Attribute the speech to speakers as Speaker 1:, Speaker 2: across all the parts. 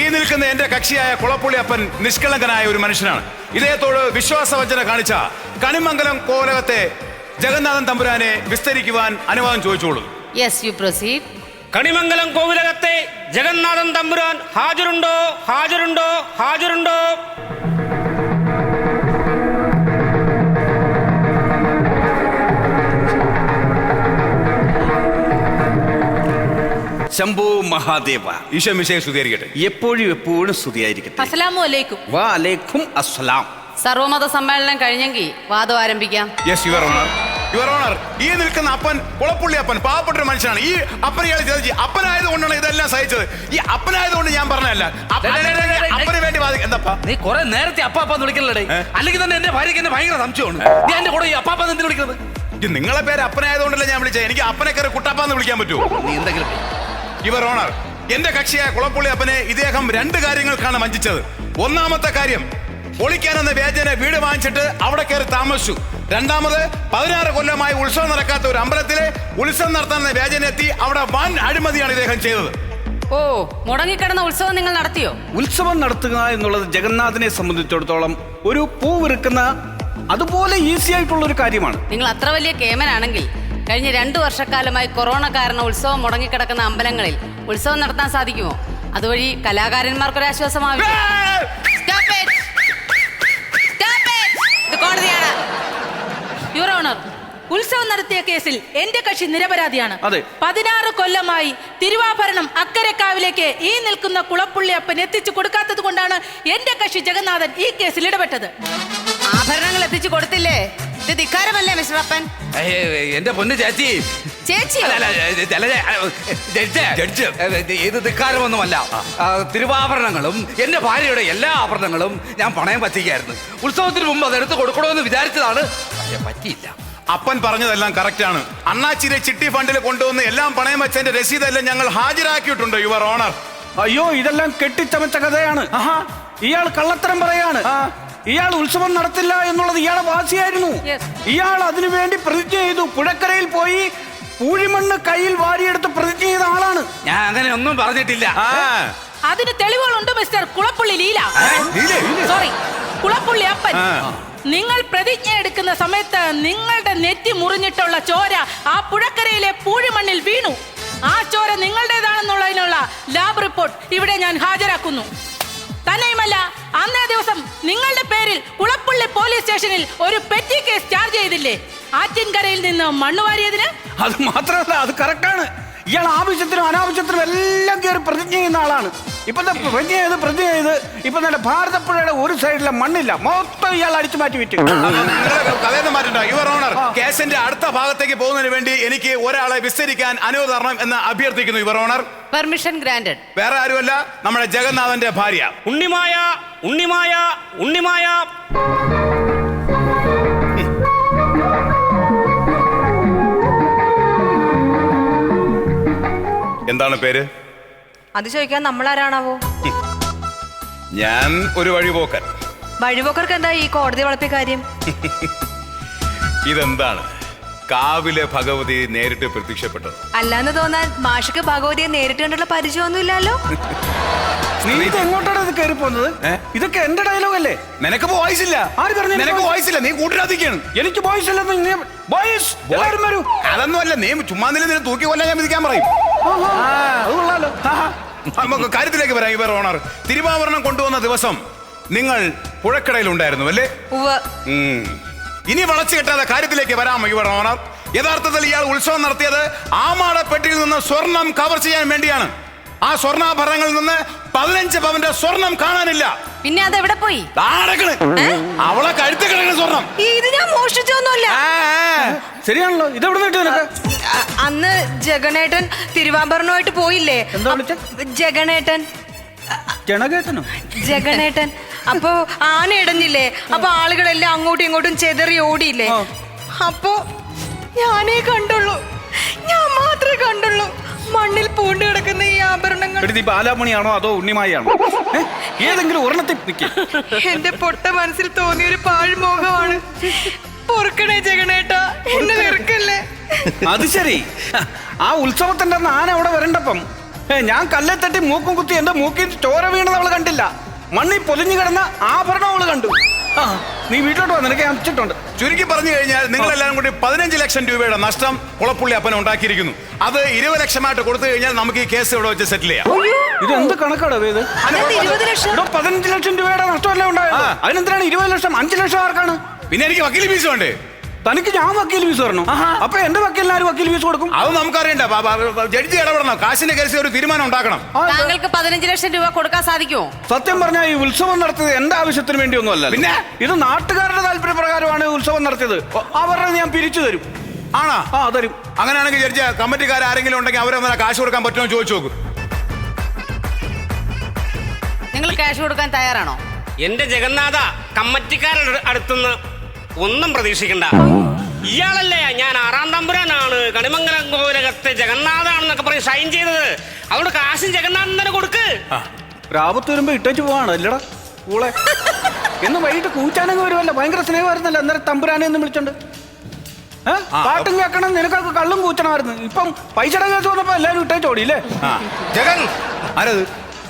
Speaker 1: ഈ നിൽക്കുന്ന എന്റെ കക്ഷിയായ കുളപ്പുള്ളി അപ്പൻ നിഷ്കളങ്കനായ ഒരു മനുഷ്യനാണ്. ഇദ്ദേഹത്തോട് വിശ്വാസവഞ്ചന കാണിച്ച കണിമംഗലം കോലകത്തെ ജഗന്നാഥൻ തമ്പുരാനെ വിസ്തരിക്കുവാൻ അനുവാദം ചോദിച്ചോളൂ.
Speaker 2: Yes, you proceed.
Speaker 3: കണിമംഗലം കോവിലകത്തെ ജഗന്നാഥൻ തമ്പുരാൻ ഹാജരുണ്ടോ? ഹാജരുണ്ടോ? ഹാജരുണ്ടോ?
Speaker 4: ശംഭോ മഹാദേവ.
Speaker 1: ഈശോ മിശിഹായെ സ്തുതിയായിരിക്കട്ടെ.
Speaker 4: എപ്പോഴും സ്തുതിയായിരിക്കട്ടെ.
Speaker 2: അസ്സലാമു അലൈക്കും.
Speaker 4: വഅലൈക്കും അസ്സലാം.
Speaker 2: സർവമത സമ്മേളനം കഴിഞ്ഞെങ്കിൽ വാദം ആരംഭിക്കാം.
Speaker 1: Yes your honour. Your honour, ഈ നിൽക്കുന്ന അപ്പൻ കുളപ്പുള്ളി അപ്പൻ പാവപ്പെട്ട ഒരു മനുഷ്യനാണ്. ഈ അപ്പനെ ഇയാൾ ചതിച്ച് അപ്പനായത് കൊണ്ടാണ് ഇതെല്ലാം സഹിച്ചത്. ഈ അപ്പനായത് കൊണ്ട് ഞാൻ പറഞ്ഞല്ല, അപ്പന് വേണ്ടി എന്താ
Speaker 5: നീ കുറെ നേരത്തെ അപ്പാപ്പാന്ന് വിളിക്കല്ലേ? അല്ലെങ്കിൽ തന്നെ എന്റെ ഭാര്യക്ക് എന്നെ ഭയങ്കര സംശയമാണ്. നീ എന്റെ കൂടെ ഈ അപ്പാപ്പാന്ന് എന്തിനു വിളിക്കുന്നത്?
Speaker 1: നിങ്ങളെ പേര് അപ്പനായതുകൊണ്ടല്ലേ ഞാൻ വിളിച്ചത്. എനിക്ക് അപ്പനെ കയറി കുട്ടാപ്പാന്ന് വിളിക്കാൻ പറ്റുമോ?
Speaker 5: നീ എന്തെങ്കിലും
Speaker 1: യുവർ ഓണർ, എന്റെ കക്ഷിയായ കുളപ്പുള്ളി അപ്പനെ ഇദ്ദേഹം 2 കാര്യങ്ങൾക്കാണ് വഞ്ചിച്ചത്. ഒന്നാമത്തെ കാര്യം, പൊളിക്കാനെന്ന വ്യാജന വീട് വാങ്ങിച്ചിട്ട് അവിടെ കയറി താമസിച്ചു. രണ്ടാമത്, 16 കൊല്ലമായി ഉത്സവം നടക്കാത്ത ഒരു അമ്പലത്തിലെ ഉത്സവം നടത്താനെന്ന വ്യാജന എത്തി അവിടെ വൻ അഴിമതിയാണ് ഇദ്ദേഹം ചെയ്തത്.
Speaker 2: ഓ, മുടങ്ങിക്കിടന്ന ഉത്സവം നിങ്ങൾ നടത്തിയോ?
Speaker 4: ഉത്സവം നടത്തുക എന്നുള്ളത് ജഗന്നാഥനെ സംബന്ധിച്ചിടത്തോളം ഒരു പൂ വിറുക്കുന്ന അതുപോലെ ഈസി ആയിട്ടുള്ള ഒരു കാര്യമാണ്.
Speaker 2: നിങ്ങൾ അത്ര വലിയ കേമനാണെങ്കിൽ കഴിഞ്ഞ 2 വർഷക്കാലമായി കൊറോണ കാരണം ഉത്സവം മുടങ്ങിക്കിടക്കുന്ന അമ്പലങ്ങളിൽ ഉത്സവം നടത്താൻ സാധിക്കുമോ? അതുവഴി കലാകാരന്മാർക്കൊരാശ്വാസമാവില്ല. കോടതിയാണ്.
Speaker 6: യുവർ ഓണർ, ഉത്സവം നടത്തിയ കേസിൽ എന്റെ കക്ഷി നിരപരാധിയാണ്.
Speaker 4: 16
Speaker 6: കൊല്ലമായി തിരുവാഭരണം അക്കരക്കാവിലേക്ക് ഈ നിൽക്കുന്ന കുളപ്പുള്ളി അപ്പൻ എത്തിച്ചു കൊടുക്കാത്തത് കൊണ്ടാണ് എന്റെ കക്ഷി ജഗന്നാഥൻ ഈ കേസിൽ ഇടപെട്ടത്.
Speaker 2: ആഭരണങ്ങൾ എത്തിച്ചു കൊടുത്തില്ലേ? ഇത് ധിക്കാരമല്ലേ മിസ്റ്റർ അപ്പൻ?
Speaker 5: എന്റെ പൊന്ന് ചേച്ചി. ഇത് ധിക്കാരമൊന്നുമല്ല. തിരുവാഭരണങ്ങളും എന്റെ ഭാര്യയുടെ എല്ലാ ആഭരണങ്ങളും ഞാൻ പണയം വച്ചിരിക്കുകയായിരുന്നു. ഉത്സവത്തിന് മുമ്പ് അതെടുത്ത് കൊടുക്കണമെന്ന് വിചാരിച്ചതാണ്, പക്ഷെ പറ്റിയില്ല.
Speaker 1: അപ്പൻ പറഞ്ഞതെല്ലാം കറക്റ്റ് ആണ്. അണ്ണാച്ചിരെ ചിട്ടി ഫണ്ടിൽ കൊണ്ടുവന്ന് എല്ലാം പണയം വെച്ചതിന്റെ രസീതെല്ലാം ഞങ്ങൾ ഹാജരാക്കിയിട്ടുണ്ട് യുവർ ഓണർ.
Speaker 4: അയ്യോ, ഇതെല്ലാം കെട്ടിച്ചമച്ച കഥയാണ്. ഇയാൾ കള്ളത്തരം പറയാണ്. ഇയാൾ ഉത്സവം നടത്തില്ല എന്നുള്ളത് ഇയാളെ വാശിയായിരുന്നു. ഇയാൾ അതിനുവേണ്ടി പ്രതിജ്ഞ ചെയ്തു. പുഴക്കരയിൽ പോയി പൂഴിമണ്ണ് കയ്യിൽ വാരിയെടുത്ത് പ്രതിജ്ഞ ചെയ്ത ആളാണ്.
Speaker 5: ഞാൻ അങ്ങനെ ഒന്നും പറഞ്ഞിട്ടില്ല.
Speaker 6: അതിന് തെളിവുകളുണ്ട് മിസ്റ്റർ കുളപ്പുള്ളി ലീല. സോറി, കുളപ്പുള്ളി അപ്പൻ. നിങ്ങൾ പ്രതിജ്ഞ എടുക്കുന്ന സമയത്ത് നിങ്ങളുടെ നെറ്റി മുറിഞ്ഞിട്ടുള്ള ചോര ആ പുഴക്കരയിലെ പൂഴിമണ്ണിൽ വീണു. ആ ചോര നിങ്ങളുടേതാണെന്നുള്ളതിനുള്ള ലാബ് റിപ്പോർട്ട് ഇവിടെ ഞാൻ ഹാജരാക്കുന്നു. തന്നെയുമല്ല, അന്നേ ദിവസം നിങ്ങളുടെ പേരിൽ കുളപ്പുള്ളി പോലീസ് സ്റ്റേഷനിൽ ഒരു പെറ്റി കേസ് ചാർജ് ചെയ്തില്ലേ? ആറ്റിൻകരയിൽ നിന്ന് മണ്ണ് വാരിയതിന്.
Speaker 4: അത് മാത്രമല്ല, അത് കറക്റ്റാണ്. ഇയാൾ ആവശ്യത്തിനും അനാവശ്യത്തിനും എല്ലാം കയറി പ്രതിജ്ഞ ചെയ്യുന്ന ആളാണ്. ഇപ്പൊ പ്രതിജ്ഞ ചെയ്ത് ഇപ്പൊ നല്ല ഭാരതപ്പുഴയുടെ ഒരു സൈഡിലെ മണ്ണില്ല, മൊത്തം ഇയാൾ അടിച്ചു മാറ്റി വിറ്റു.
Speaker 1: കഥയൊന്നും മാറ്റണ്ട യുവർ ഓണർ. കേസിന്റെ അടുത്ത ഭാഗത്തേക്ക് പോകുന്നതിന് വേണ്ടി എനിക്ക് ഒരാളെ വിസ്തരിക്കാൻ അനുമതി തരണം എന്ന് അഭ്യർത്ഥിക്കുന്നു യുവർ ഓണർ.
Speaker 2: Permission granted.
Speaker 1: വേറെ ആരുമല്ല, നമ്മുടെ ജഗന്നാഥന്റെ ഭാര്യ
Speaker 3: ഉണ്ണിമായ. ഉണ്ണിമായ. ഉണ്ണിമായ.
Speaker 1: എന്താണ് പേര്?
Speaker 7: അത് ചോദിക്കാൻ നമ്മളാരാണാവോ?
Speaker 1: ഞാൻ ഒരു വഴിപോക്കൻ.
Speaker 7: വഴിപോക്കർക്ക് എന്താ ഈ കോടതി വളർത്തിയ കാര്യം?
Speaker 1: ഇതെന്താണ് കാവിലെ ഭഗവതി നേരിട്ട് പ്രത്യക്ഷപ്പെട്ടത്?
Speaker 7: അല്ലാന്ന് തോന്നാൻ മാഷിക്ക് ഭഗവതിയെ നേരിട്ട് കണ്ടുള്ള പരിചയമൊന്നുമില്ലല്ലോ.
Speaker 4: നീ ഇത് എങ്ങോട്ടാണ് ഇത് കയറി പോകുന്നത്? ഇതൊക്കെ എന്റെ ഡയലോഗ് അല്ലേ?
Speaker 1: നിനക്ക് വോയിസ് ഇല്ല.
Speaker 4: ആര് പറഞ്ഞു
Speaker 1: നിനക്ക് വോയിസ് ഇല്ല? നീ കൂട്ടിരാതിക്കാണ്.
Speaker 4: എനിക്ക് വോയിസ് ഇല്ലെന്ന്.
Speaker 1: അതൊന്നും അല്ല, നീ ചുമ്മാ നില തൂക്കി കൊല്ലാൻ ഞാൻ വിധിക്കാൻ പറയും. നമുക്ക് കാര്യത്തിലേക്ക് വരാം യുവർ ഓണർ. തിരുവാഭരണം കൊണ്ടുവന്ന ദിവസം നിങ്ങൾ പുഴക്കടയിൽ ഉണ്ടായിരുന്നു അല്ലേ? ഇനി വളച്ചു കെട്ടാതെ കാര്യത്തിലേക്ക് വരാമോ യുവർ ഓണർ? യഥാർത്ഥത്തിൽ ഇയാൾ ഉത്സവം നടത്തിയത് ആമാടപ്പെട്ടിയിൽ നിന്ന് സ്വർണം കവർ ചെയ്യാൻ വേണ്ടിയാണ്. ആ സ്വർണ്ണാഭരണങ്ങളിൽ നിന്ന് 15 പവന്റെ സ്വർണം കാണാനില്ല.
Speaker 2: പിന്നെ അത് എവിടെ പോയി?
Speaker 1: അവളെ കഴുത്ത് കിടക്കുന്ന സ്വർണം.
Speaker 7: ഇത് ഞാൻ മോഷ്ടിച്ചൊന്നുമല്ല.
Speaker 4: ശരിയാണല്ലോ. ഇതെവിടെ നിന്നിട്ട് നിനക്ക്?
Speaker 7: അന്ന് ജഗനേട്ടൻ തിരുവാഭരണമായിട്ട് പോയില്ലേ? ജഗനേട്ടൻ. ജഗനേട്ടൻ. അപ്പൊ ആന ഇടഞ്ഞില്ലേ? അപ്പൊ ആളുകളെല്ലാം അങ്ങോട്ടും ഇങ്ങോട്ടും ചെതറി ഓടിയില്ലേ? അപ്പൊ ഞാനേ കണ്ടുള്ളൂ, ഞാൻ മാത്രമേ കണ്ടുള്ളൂ മണ്ണിൽ പൂണ്ട് കിടക്കുന്ന ഈ ആഭരണങ്ങൾ.
Speaker 4: ബാലാമണിയാണോ അതോ ഉണ്ണിമായാണോ? ഏതെങ്കിലും ഒരെണ്ണത്തിൽ നിൽക്കും.
Speaker 7: എന്റെ പൊട്ട മനസ്സിൽ തോന്നിയൊരു പാഴ്മോഹമാണ്. പൊറുക്കണേ ജഗനേട്ടാ, എന്നെ വെറുക്കല്ലേ.
Speaker 4: അത് ശരി. ആ ഉത്സവത്തിന്റെ ആന അവിടെ വരണ്ടപ്പം ഞാൻ കല്ലെ തട്ടി മൂക്കും കുത്തി എന്റെ മൂക്കിൽ ചോര വീണത് അവള് കണ്ടില്ല. മണ്ണി പൊലിഞ്ഞു കിടന്ന ആഭരണം അവള് കണ്ടു. ആ, നീ വീട്ടിലോട്ട് വാ, നിനക്ക് ഞാൻ അമിച്ചിട്ടുണ്ട്.
Speaker 1: ചുരുക്കി പറഞ്ഞു കഴിഞ്ഞാൽ നിങ്ങൾ എല്ലാവരും കൂടി 15 ലക്ഷം രൂപയുടെ നഷ്ടം കുളപ്പുള്ളി അപ്പൻ ഉണ്ടാക്കിയിരിക്കുന്നു. അത് 20 ലക്ഷമായിട്ട് കൊടുത്തു കഴിഞ്ഞാൽ നമുക്ക് ഈ കേസ് ഇവിടെ വെച്ച് സെറ്റിൽ ചെയ്യാം.
Speaker 4: ഇത് എന്ത് കണക്കാടോ ഇത്?
Speaker 7: 20 ലക്ഷം?
Speaker 4: ഇവിടെ 15 ലക്ഷം രൂപയുടെ നഷ്ടമല്ലേ ഉണ്ടായത്? അതിനെന്തിനാണ് 20 ലക്ഷം? 5 ലക്ഷം ആർക്കാണ്?
Speaker 1: പിന്നെ എനിക്ക് വക്കീൽ ഫീസ് വേണ്ടേ?
Speaker 4: തനിക്ക് ഞാൻ വക്കീൽ ഫീസ് തരണം. അപ്പൊ എന്റെ വക്കീലിന് ആര് വക്കീൽ ഫീസ് കൊടുക്കും?
Speaker 1: അത് നമുക്കറിയണ്ട. ജഡ്ജി ഇടപെടണം. കാശിന്റെ കേസിൽ ഒരു തീരുമാനം ഉണ്ടാക്കണം.
Speaker 2: താങ്കൾക്ക് 15 ലക്ഷം രൂപ കൊടുക്കാൻ സാധിക്കുമോ?
Speaker 4: സത്യം പറഞ്ഞാൽ ഈ ഉത്സവം നടത്തിയത് എന്റെ ആവശ്യത്തിന് വേണ്ടിയൊന്നും അല്ല.
Speaker 1: പിന്നെ?
Speaker 4: ഇത് നാട്ടുകാരുടെ താല്പര്യപ്രകാരമാണ് ഉത്സവം നടത്തിയത്. അവരുടെ ഞാൻ പിരിച്ചു തരും.
Speaker 1: ആണോ?
Speaker 4: ആ, തരും.
Speaker 1: അങ്ങനെയാണെങ്കിൽ ജഡ്ജി കമ്മിറ്റിക്കാർ ആരെങ്കിലും ഉണ്ടെങ്കിൽ അവരെ കാശ് കൊടുക്കാൻ പറ്റുമോ ചോദിച്ചു നോക്കും.
Speaker 2: നിങ്ങൾ ക്യാഷ് കൊടുക്കാൻ തയ്യാറാണോ?
Speaker 3: എന്റെ ജഗന്നാഥ, കമ്മറ്റിക്കാരുടെ അടുത്തുനിന്ന് ഒന്നും പ്രതീക്ഷിക്കണ്ട. ഇയാളല്ലേ ഞാൻ 6-ാം തമ്പുരാനാണ്, കണിമംഗലം കോവിലകത്തെ ജഗന്നാഥാണെന്നൊക്കെ പറഞ്ഞ് ഷൈൻ ചെയ്തത്. അതുകൊണ്ട് കാശും ജഗന്നാഥൻ തന്നെ കൊടുക്ക്.
Speaker 4: രാപത്ത് വരുമ്പോ ഇട്ടേച്ച് പോവാണ് അല്ലടാ കൂളെ. എന്ന് വൈകിട്ട് കൂച്ചാനങ്ങ് വരുമല്ലോ. ഭയങ്കര സ്നേഹമായിരുന്നല്ലോ അന്നേരം തമ്പുരാനെ എന്ന് വിളിച്ചോണ്ട്. പാട്ടും കേൾക്കണം, നിനക്കൊക്കെ കള്ളും കൂച്ചണമായിരുന്നു. ഇപ്പം പൈസയുടെ കേസ് വന്നപ്പോ എല്ലാരും ഇട്ടേച്ച് ഓടിയില്ലേ?
Speaker 1: ജഗൻ ആരത്?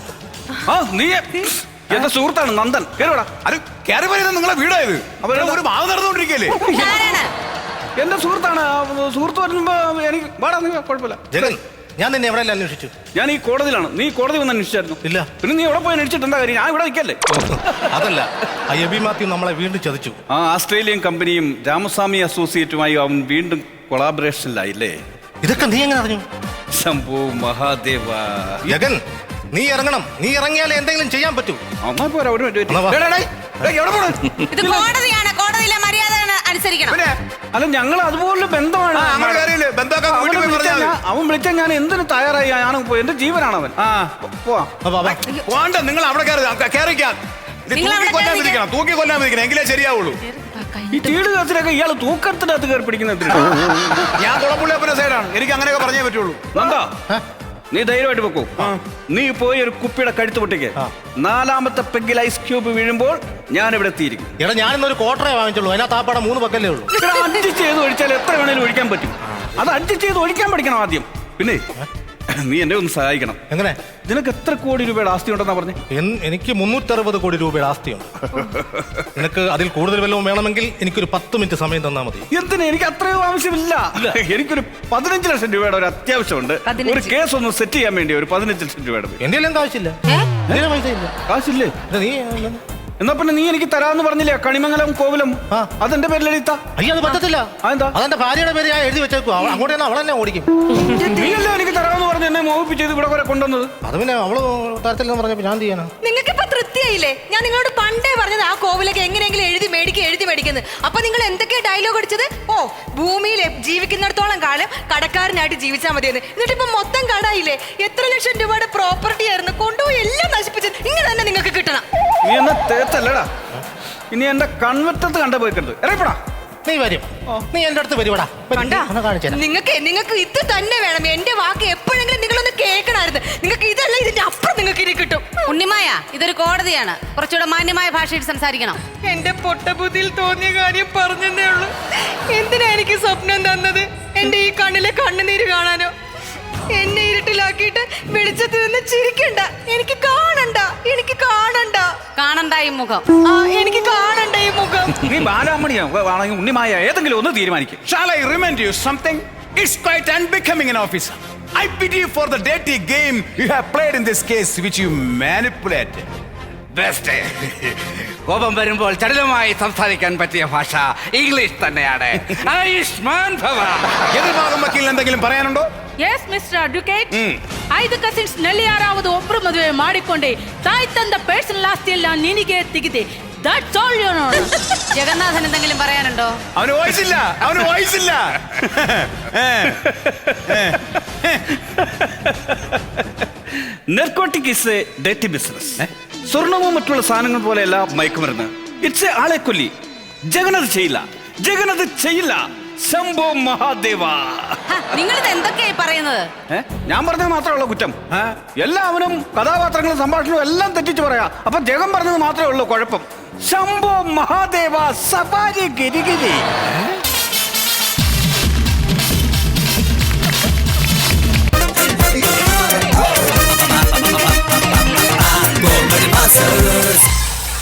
Speaker 4: ആ, നീ എന്റെ സുഹൃത്താണ് നന്ദൻ. കേറുവാടാ.
Speaker 1: അത് കയറി വരുന്നത് നിങ്ങളെ വീടായത്. അവരുടെ ഒരു മാവ് നടന്നുകൊണ്ടിരിക്കല്ലേ?
Speaker 2: ആരാണ്?
Speaker 4: എന്റെ സുഹൃത്താണ്. സുഹൃത്ത് വരുമ്പോ എനിക്ക് വാടാ, നീ കുഴപ്പമില്ല.
Speaker 8: ജഗൻ, ഞാൻ നിന്നെ എവിടെ അന്വേഷിച്ചു?
Speaker 4: ഞാൻ ഈ കോടതിയിലാണ്. നീ കോടതി വന്ന് അന്വേഷിച്ചായിരുന്നു?
Speaker 8: ഇല്ല.
Speaker 4: പിന്നെ നീ എവിടെ പോയി അന്വേഷിച്ചിട്ട് എന്താ കാര്യം? ഞാൻ ഇവിടെ നിൽക്കല്ലേ?
Speaker 8: അതല്ല, ആ എബി മാത്യു നമ്മളെ വീണ്ടും ചതിച്ചു.
Speaker 4: ആ ആസ്ട്രേലിയൻ കമ്പനിയും രാമസ്വാമി അസോസിയേറ്റുമായി അവൻ വീണ്ടും കൊളാബറേഷനിലായില്ലേ?
Speaker 8: ഇതൊക്കെ നീ എങ്ങനെ അറിഞ്ഞു?
Speaker 4: ശംഭോ മഹാദേവ.
Speaker 8: ജഗൻ, നീ ഇറങ്ങണം. നീ ഇറങ്ങിയാലേ എന്തെങ്കിലും ചെയ്യാൻ പറ്റൂ.
Speaker 4: അമ്മ പോരാ, ഒരു മിനിറ്റ്
Speaker 8: എന്നാ വാ.
Speaker 1: എവിടെ പോണു?
Speaker 2: ഇത് കോടതിയാണ്. കോടതിയിലെ മര്യാദ അനുസരിക്കണം.
Speaker 1: പിന്നെ
Speaker 4: അല്ല, ഞങ്ങൾ അതുപോലെ ബന്ധമാണ്.
Speaker 1: അങ്ങനെ കാര്യമില്ല. ബന്ധമൊക്കെ വീട്ടിൽ പോയി പറഞ്ഞാൽ മതി.
Speaker 4: അവൻ വിളിച്ചാൽ ഞാൻ എന്തിനു തയ്യാറായി? ഞാൻ എന്റെ ജീവനാണ് അവൻ. ആ, പോവാ.
Speaker 1: വേണ്ട, നിങ്ങൾ അവിടെ കയറിക്കാൻ.
Speaker 2: നിങ്ങൾ അവിടെ
Speaker 1: കൊല്ലാൻ വിധിക്കണം. തൂക്കി കൊല്ലാൻ വിധിക്കണം. എങ്കിലേ ശരിയാവുള്ളൂ.
Speaker 4: ഈ തീട് കേസിലൊക്കെ ഇയാൾ തൂക്കത്തിനകത്ത് കയറി പിടിക്കുന്നത്.
Speaker 1: ഞാൻ കുളപ്പുള്ളി അപ്പന്റെ സൈഡാണ്. എനിക്ക് അങ്ങനെയൊക്കെ പറഞ്ഞേ പറ്റുള്ളൂ.
Speaker 4: നന്ദാ, നീ ധൈര്യമായിട്ട് വെക്കൂ. നീ പോയി ഒരു കുപ്പിയുടെ കഴുത്ത് പൊട്ടിക്ക്. 4ാമത്തെ പെഗ്ഗിൽ ഐസ് ക്യൂബ് വീഴുമ്പോൾ ഞാൻ ഇവിടെ എത്തിയിരിക്കും.
Speaker 8: എടാ, ഞാനിന്നൊരു ക്വാർട്ടറേ വാങ്ങിച്ചുള്ളൂ. അതിനകത്ത് ആ പടം 3 പക്കല്ലേ ഉള്ളൂ.
Speaker 4: അഡ്ജസ്റ്റ് ചെയ്ത് ഒഴിച്ചാൽ എത്ര വേണേലും ഒഴിക്കാൻ പറ്റും. അത് അഡ്ജസ്റ്റ് ചെയ്ത് ഒഴിക്കാൻ പഠിക്കണം ആദ്യം. പിന്നെ നീ എന്നെ ഒന്ന് സഹായിക്കണം.
Speaker 8: എങ്ങനെ?
Speaker 4: നിനക്ക് എത്ര കോടി രൂപയുടെ ആസ്തി ഉണ്ടെന്നാ പറഞ്ഞു?
Speaker 8: എനിക്ക് 360 കോടി രൂപയുടെ ആസ്തിയുണ്ട്. നിനക്ക് അതിൽ കൂടുതൽ വല്ലതും വേണമെങ്കിൽ എനിക്കൊരു 10 മിനിറ്റ് സമയം തന്നാൽ മതി.
Speaker 4: എന്തിനാ? എനിക്ക് അത്രയും ആവശ്യമില്ല. എനിക്കൊരു 15 ലക്ഷം രൂപയുടെ ഒരു അത്യാവശ്യമുണ്ട്. ഒരു കേസ് ഒന്ന് സെറ്റ് ചെയ്യാൻ വേണ്ടി ഒരു 15 ലക്ഷം രൂപയുടെ.
Speaker 8: എന്റെ എല്ലാം കാശില്ല. എന്റെ പൈസ ഇല്ല.
Speaker 4: കാശില്ലേ?
Speaker 8: നീ
Speaker 4: എന്നാ പിന്നെ നീ എനിക്ക് തരാന്ന് പറഞ്ഞില്ലേ കണിമംഗലം കോവിലം? അതെന്റെ പേരിൽ എഴുതാ.
Speaker 8: അയ്യോ, അത് പറ്റത്തില്ല.
Speaker 4: അതെന്താ?
Speaker 8: അതെന്റെ ഭാര്യയുടെ പേര് ഞാൻ എഴുതി വെച്ചേക്കും. അങ്ങോട്ട് തന്നെ അവളെന്നെ ഓടിക്കും.
Speaker 4: നീയല്ലേ എനിക്ക് തരാമെന്ന് പറഞ്ഞ് എന്നെ മോഹിപ്പിച്ചത് ഇവിടെ വരെ കൊണ്ടുവന്നത്?
Speaker 8: അത് പിന്നെ അവള് തരത്തില്ലെന്ന് പറഞ്ഞപ്പോ ഞാൻ ചെയ്യാനാ.
Speaker 7: നിങ്ങൾക്ക് ഇപ്പൊ തൃപ്തിയായില്ലേ? ഞാൻ നിങ്ങളോട് പണ്ടേ പറഞ്ഞത് ആ കോവിലൊക്കെ എങ്ങനെയെങ്കിലും എഴുതി മേടിക്കുന്നത്. അപ്പൊ നിങ്ങൾ എന്തൊക്കെയാ ഡയലോഗ് അടിച്ചത്? ഓ, ഭൂമിയിൽ ജീവിക്കുന്നിടത്തോളം കാലം കടക്കാരനായിട്ട് ജീവിച്ചാൽ മതിയെന്ന്. എന്നിട്ട് ഇപ്പൊ മൊത്തം കടായില്ലേ? എത്ര ലക്ഷം രൂപയുടെ പ്രോപ്പർട്ടി ആയിരുന്നു കൊണ്ടുപോയി എല്ലാം നശിപ്പിച്ചത്. ഇങ്ങനെ തന്നെ നിങ്ങൾക്ക് കിട്ടണം.
Speaker 4: നീ എന്നെ തേച്ചല്ലടാ. ഇനി എന്റെ കൺവെറ്റത്ത് കണ്ട പോയിക്കരുത്. ഇറങ്ങിപ്പോടാ.
Speaker 8: നീ വരും. നീ എന്റെ അടുത്ത് വരുവാടാ.
Speaker 7: നിങ്ങൾക്ക് ഇത് തന്നെ വേണം. എന്റെ വാക്ക് എപ്പോഴെങ്കിലും നിങ്ങളൊന്ന് കേൾക്കണമായിരുന്നു. നിങ്ങൾക്ക് ഇതല്ല, ഇതിന്റെ അപ്പുറം നിങ്ങൾക്ക് ഇനി കിട്ടും.
Speaker 2: ഉണ്ണിമായ, ഇതൊരു കോടതിയാണ്. കുറച്ചുകൂടെ മാന്യമായ ഭാഷയിൽ സംസാരിക്കണം.
Speaker 7: എന്റെ പൊട്ടബുദ്ധിയിൽ തോന്നിയ കാര്യം പറഞ്ഞതേ ഉള്ളൂ. എന്തിനാ എനിക്ക് സ്വപ്നം തന്നത്? എന്റെ ഈ കണ്ണിലെ കണ്ണുനീര് കാണാനോ? എന്നെ ഇരുട്ടിലാക്കിയിട്ട് വെളിച്ചത്തിൽ നിന്ന് ചിരിക്കണ്ട. എനിക്ക് കാണണ്ട.
Speaker 2: കാണണ്ട ഈ മുഖം.
Speaker 7: എനിക്ക് കാണണ്ട ഈ മുഖം.
Speaker 4: നീ ബാലാമണിയോ ആണെങ്കിൽ ഉണ്ണിമായ ഏതെങ്കിലും ഒന്ന് തീരുമാനിക്കും.
Speaker 1: Shall I remind you something? It's quite unbecoming an officer. I pity you for the dirty game you have played in this case, which you manipulated.
Speaker 5: Best. കോപം വരുമ്പോൾ ചടുലമായി സംസാരിക്കാൻ പറ്റിയ ഭാഷ ഇംഗ്ലീഷ് തന്നെയാണ്. ആയുഷ്മാൻ ഭവ.
Speaker 1: എതിർഭാഗം വക്കീലിന് എന്തെങ്കിലും പറയാനുണ്ടോ?
Speaker 6: ಎಸ್ ಮಿಸ್ಟರ್ ಅಡ್ವೊಕೇಟ್, 5 ಕಸಿನ್ಸ್ ನಲ್ಲಿ ಯಾರಾவது ಒಬ್ರು ಮದುವೆ ಮಾಡಿಕೊಂಡೆ ತಾಯಿ ತಂದ ಪರ್ಸನಲ್ ಆಸ್ತಿಯೆಲ್ಲ ನಿನಗೆ ತೆಗೆದೆ. That's all you know.
Speaker 2: Jagannathan എന്തെങ്കിലും പറയാനുണ്ടോ?
Speaker 1: അവന് വോയിസില്ല.
Speaker 4: നെർക്കോട്ടിക് ഇസ് എ ഡേറ്റി ബിസിനസ്. സ്വർണവും മറ്റുള്ള സാധനങ്ങൾ പോലെയല്ല മയക്കുമരുന്ന്. ഇറ്റ്സ് എ ആളെ കൊല്ലി. ജഗനത് ചെയ്യില്ല. ശംഭോ മഹാദേവ.
Speaker 2: നിങ്ങളിത് എന്തൊക്കെയായി പറയുന്നത്?
Speaker 4: ഞാൻ പറഞ്ഞത് മാത്രമേ കുറ്റം. എല്ലാവരും കഥാപാത്രങ്ങളും സംഭാഷണവും എല്ലാം തെറ്റിച്ച് പറയാ. അപ്പൊ ജഗൻ പറഞ്ഞത് മാത്രമേ ഉള്ളൂ കുഴപ്പം. ശംഭോ മഹാദേവ സഫാരി ഗിരിഗിരി.